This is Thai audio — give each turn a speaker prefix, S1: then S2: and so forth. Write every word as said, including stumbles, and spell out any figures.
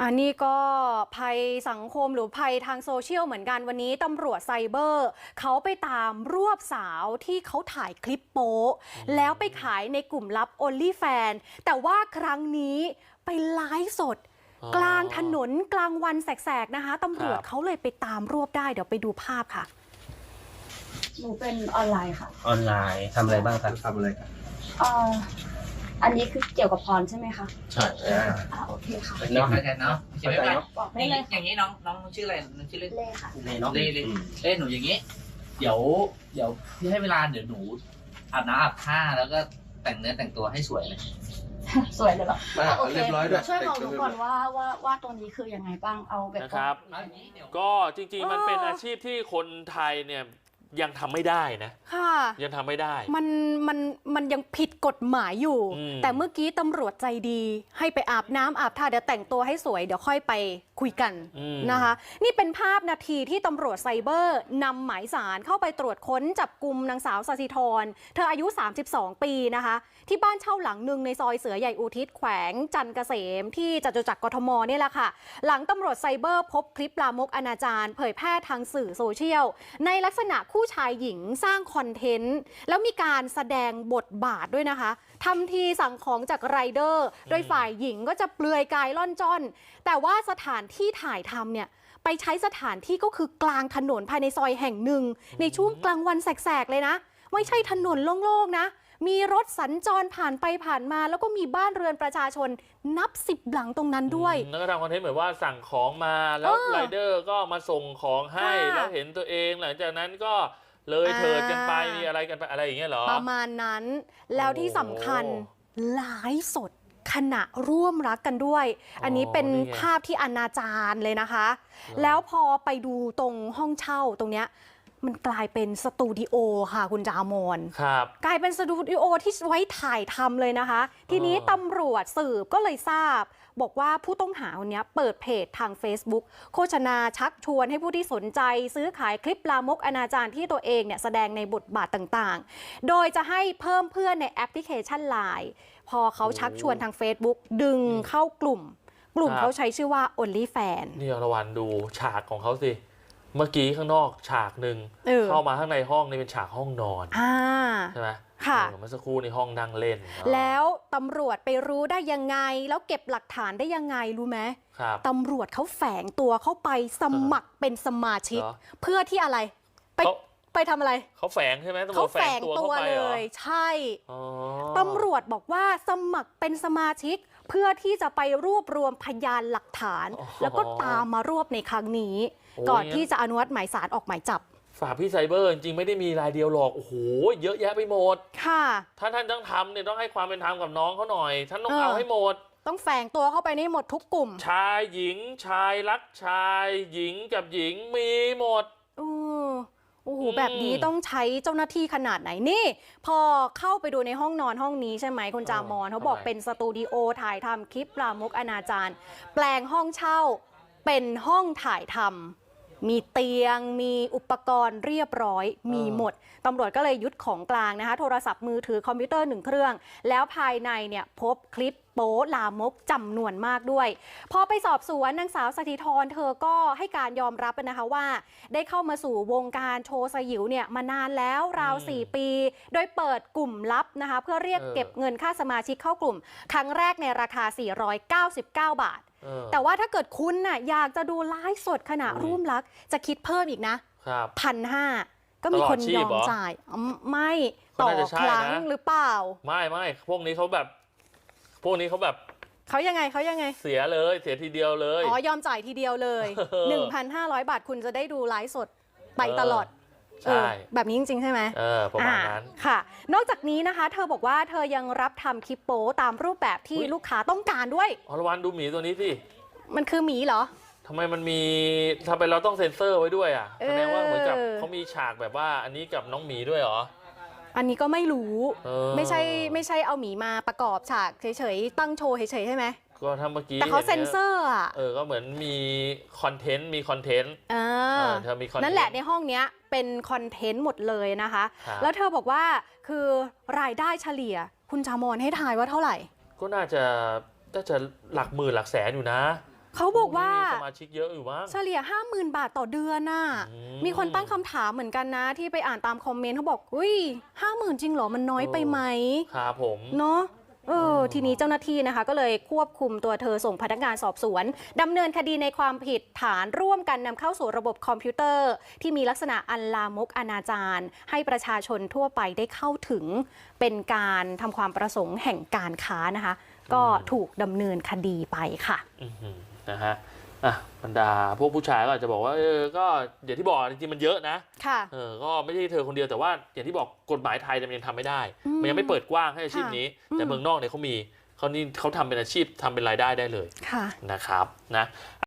S1: อันนี้ก็ภัยสังคมหรือภัยทางโซเชียลเหมือนกันวันนี้ตำรวจไซเบอร์เขาไปตามรวบสาวที่เขาถ่ายคลิปโป๊แล้วไปขายในกลุ่มลับ OnlyFans แต่ว่าครั้งนี้ไปไลฟ์สดกลางถนนกลางวันแสกๆนะคะตำรวจเขาเลยไปตามรวบได้เดี๋ยวไปดูภาพค่ะ
S2: หนูเป็นออนไลน์ค่ะ
S3: ออนไลน์ทำอะไรบ้างครับ
S4: ทำอะไรครับ
S2: เอ่ออันนี้คือเกี่ยวกับพรใช่ไหมคะ
S3: ใช่
S2: อ่าโอเคค่ะ
S3: เนาะ
S5: เข้าใจเนาะใช่ไหมครับ
S2: บอกได้เลย
S5: อย่างนี้น้องน้องชื่ออะไรน้องชื่อเล่น
S2: เล่ค่ะ
S3: เล่เนาะ
S5: เล่เล่เล่หนูอย่างนี้ เดี๋ยวเดี๋ยวพี่ให้เวลาเดี๋ยวหนูอาบน้ำอาบท่าแล้วก็แต่งเนื้อแต่งตัวให้สวยเลย
S2: สวยเลยเหรอ
S4: มา
S2: โอเค
S4: เรียบร้อยด้วย
S2: ช่วยบอกหนูก่อนว่าว่าว่าตรงนี้คือยังไงบ้างเอาแบบ
S6: นะครับ ก็จริงๆมันเป็นอาชีพที่คนไทยเนี่ยยังทำไม่ได้นะ
S1: ค่ะ
S6: ยังทำไม่ได้
S1: มันมันมันยังผิดกฎหมายอยู่ แต่เมื่อกี้ตำรวจใจดีให้ไปอาบน้ำอาบท่าเดี๋ยวแต่งตัวให้สวยเดี๋ยวค่อยไปคุยกันนะคะนี่เป็นภาพนาทีที่ตำรวจไซเบอร์นำหมายสารเข้าไปตรวจค้นจับกลุ่มนางสาวสศิธรเธออายุสามสิบสองปีนะคะที่บ้านเช่าหลังหนึ่งในซอยเสือใหญ่อุทิศแขวงจันทร์เกษมที่จตุจักรกทมนี่แหละค่ะหลังตำรวจไซเบอร์พบคลิปลามกอนาจารเผยแพร่ทางสื่อโซเชียลในลักษณะคู่ชายหญิงสร้างคอนเทนต์แล้วมีการแสดงบทบาทด้วยนะคะทำทีสั่งของจากไรเดอร์โดยฝ่ายหญิงก็จะเปลือยกายล่อนจ้อนแต่ว่าสถานที่ถ่ายทำเนี่ยไปใช้สถานที่ก็คือกลางถนนภายในซอยแห่งหนึ่งในช่วงกลางวันแสกๆเลยนะไม่ใช่ถนนโล่งๆนะมีรถสัญจรผ่านไปผ่านมาแล้วก็มีบ้านเรือนประชาชนนับสิบหลังตรงนั้นด้วย
S6: แล้วก็ทำคอนเทนต์เหมือนว่าสั่งของมาแล้วไรเดอร์ก็มาส่งของให้แล้วเห็นตัวเองหลังจากนั้นก็เลยเถิดกันไปมีอะไรกันไปอะไรอย่างเงี้ยเหรอ
S1: ประมาณนั้นแล้วที่สำคัญไลฟ์สดขณะร่วมรักกันด้วยอันนี้เป็นภาพที่อนาจารเลยนะคะแล้วพอไปดูตรงห้องเช่าตรงเนี้ยมันกลายเป็นสตูดิโอค่ะคุณจามอน
S6: ครับ
S1: กลายเป็นสตูดิโอที่ไว้ถ่ายทำเลยนะคะทีนี้ตำรวจสืบก็เลยทราบบอกว่าผู้ต้องหาคนนี้เปิดเพจทาง Facebook โฆษณาชักชวนให้ผู้ที่สนใจซื้อขายคลิปลามกอนาจารที่ตัวเองเนี่ยแสดงในบทบาทต่างๆโดยจะให้เพิ่มเพื่อนในแอปพลิเคชัน ไลน์ พอเขาชักชวนทาง Facebook ดึงเข้ากลุ่มกลุ่มเขาใช้ชื่อว่า OnlyFans
S6: นี่อรวรรณดูฉากของเขาสิเมื่อกี้ข้างนอกฉากหนึ่งเข้ามาข้างในห้องนี่เป็นฉากห้องนอนใช่ไหม
S1: ค่ะ
S6: เมื่อสักครู่ในห้องนั่งเล่น
S1: แล้วตำรวจไปรู้ได้ยังไงแล้วเก็บหลักฐานได้ยังไงรู้ไหมตำรวจเขาแฝงตัวเข้าไปสมัครเป็นสมาชิกเพื่อที่อะไรไปไปทำอะไร
S6: เขาแฝงใช่ไหม
S1: เขาแฝงตัวเลยใช่ตำรวจบอกว่าสมัครเป็นสมาชิกเพื่อที่จะไปรวบรวมพยานหลักฐานแล้วก็ตามมารวบในครั้งนี้ก่อนที่จะอนุมัติหมายสารออกหมายจับ
S6: ฝากพี่ไซเบอร์จริงๆไม่ได้มีรายเดียวหรอกโอ้โหเยอะแยะไปหมด
S1: ค่ะ
S6: ถ้าท่านต้องทำเนี่ยต้องให้ความเป็นธรรมกับน้องเขาหน่อยท่านต้องเอาให้หมด
S1: ต้องแฝงตัวเข้าไปในหมดทุกกลุ่ม
S6: ชายหญิงชายรักชายหญิงกับหญิงมีหมด
S1: อโอ้โหแบบนี้ต้องใช้เจ้าหน้าที่ขนาดไหนนี่พอเข้าไปดูในห้องนอนห้องนี้ใช่ไหมคุณจามอนเขาบอกเป็นสตูดิโอถ่ายทำคลิปลามกอนาจารแปลงห้องเช่าเป็นห้องถ่ายทำมีเตียงมีอุปกรณ์เรียบร้อยมีหมดตำรวจก็เลยยึดของกลางนะคะโทรศัพท์มือถือคอมพิวเตอร์หนึ่งเครื่องแล้วภายในเนี่ยพบคลิปโป๊ลามกจำนวนมากด้วยพอไปสอบสวนนางสาวสถิธรเธอก็ให้การยอมรับนะคะว่าได้เข้ามาสู่วงการโชว์สยิวเนี่ยมานานแล้วราวสี่ปีโดยเปิดกลุ่มลับนะคะเพื่อเรียกเก็บเงินค่าสมาชิกเข้ากลุ่มครั้งแรกในราคาสี่ร้อยเก้าสิบเก้าบาทแต่ว่าถ้าเกิดคุณน่ะอยากจะดูไลฟ์สดขณะร่วมรักจะคิดเพิ่มอีกนะพันห้าก็มีคนยอมจ่ายไม่ต่อครั้งหรือเปล่า
S6: ไม่ไม่พวกนี้เขาแบบพวกนี้เขาแบบ
S1: เขายังไงเขายังไง
S6: เสียเลยเสียทีเดียวเลย
S1: อ๋อยอมจ่ายทีเดียวเลย หนึ่งพันห้าร้อย บาทคุณจะได้ดูไลฟ์สดไปตลอด
S6: ใช่
S1: แบบนี้จริงๆใช่ไหม
S6: เออประมาณนั้น
S1: ค่ะนอกจากนี้นะคะเธอบอกว่าเธอยังรับทำคลิปโป๊ตามรูปแบบที่ลูกค้าต้องการด้วย
S6: อรวรรณดูหมีตัวนี้สิ
S1: มันคือหมีเหรอ
S6: ทำไมมันมีทำไมเราต้องเซ็นเซอร์ไว้ด้วยอ่ะแสดงว่าเหมือนกับเขามีฉากแบบว่าอันนี้กับน้องหมีด้วยเหรอ
S1: อันนี้ก็ไม่รู้ไม่ใช่ไม่ใช่เอาหมีมาประกอบฉากเฉยๆตั้งโชว์เฉยๆใช่ไหม
S6: ก็ทำเมื่อกี้
S1: แต่เขาเซ็นเซอร์อ่ะ
S6: เออก็เหมือนมีคอนเทนต์มีคอนเทนต์
S1: อ่า
S6: เธอมีคอนเทนต์
S1: นั่นแหละในห้องเนี้ยเป็นคอนเทนต์หมดเลยนะคะแล้วเธอบอกว่าคือรายได้เฉลี่ยคุณจามอนให้ทายว่าเท่าไหร่
S6: ก็น่าจะน่าจะหลักหมื่นหลักแสนอยู่นะ
S1: เขาบอกว่า
S6: สมาชิกเยอะอยู่บ้าง
S1: เฉลี่ย ห้าหมื่น บาทต่อเดือนน่ะ
S6: อืม
S1: มีคนตั้งคำถามเหมือนกันนะ ที่ไปอ่านตามคอมเมนต์เขาบอกอุ้ยห้าหมื่นจริงเหรอมันน้อยไปไหม
S6: ครับผม
S1: เนาะเออทีนี้เจ้าหน้าที่นะคะก็เลยควบคุมตัวเธอส่งพนักงานสอบสวนดำเนินคดีในความผิดฐานร่วมกันนำเข้าสู่ระบบคอมพิวเตอร์ ที่มีลักษณะอันลามกอนาจารให้ประชาชนทั่วไปได้เข้าถึงเป็นการทำความประสงค์แห่งการค้านะคะ ก็ถูกดำเนินคดีไปค่ะ
S6: อือหือนะฮะอ่ะบรรดาพวกผู้ชายก็อาจจะบอกว่าเออก็อย่างที่บอกจริงๆมันเยอะนะ
S1: ค่ะ
S6: เออก็ไม่ใช่เธอคนเดียวแต่ว่าอย่างที่บอกกฎหมายไทยมันยังทำไม่ได้
S1: อืม
S6: มันยังไม่เปิดกว้างให้อาชีพนี้
S1: ค่ะ
S6: แต่
S1: อืม
S6: เมืองนอกเนี่ยเขามีเขานี่เขาทำเป็นอาชีพทำเป็นรายได้ได้เลย
S1: ค่ะ
S6: นะครับนะ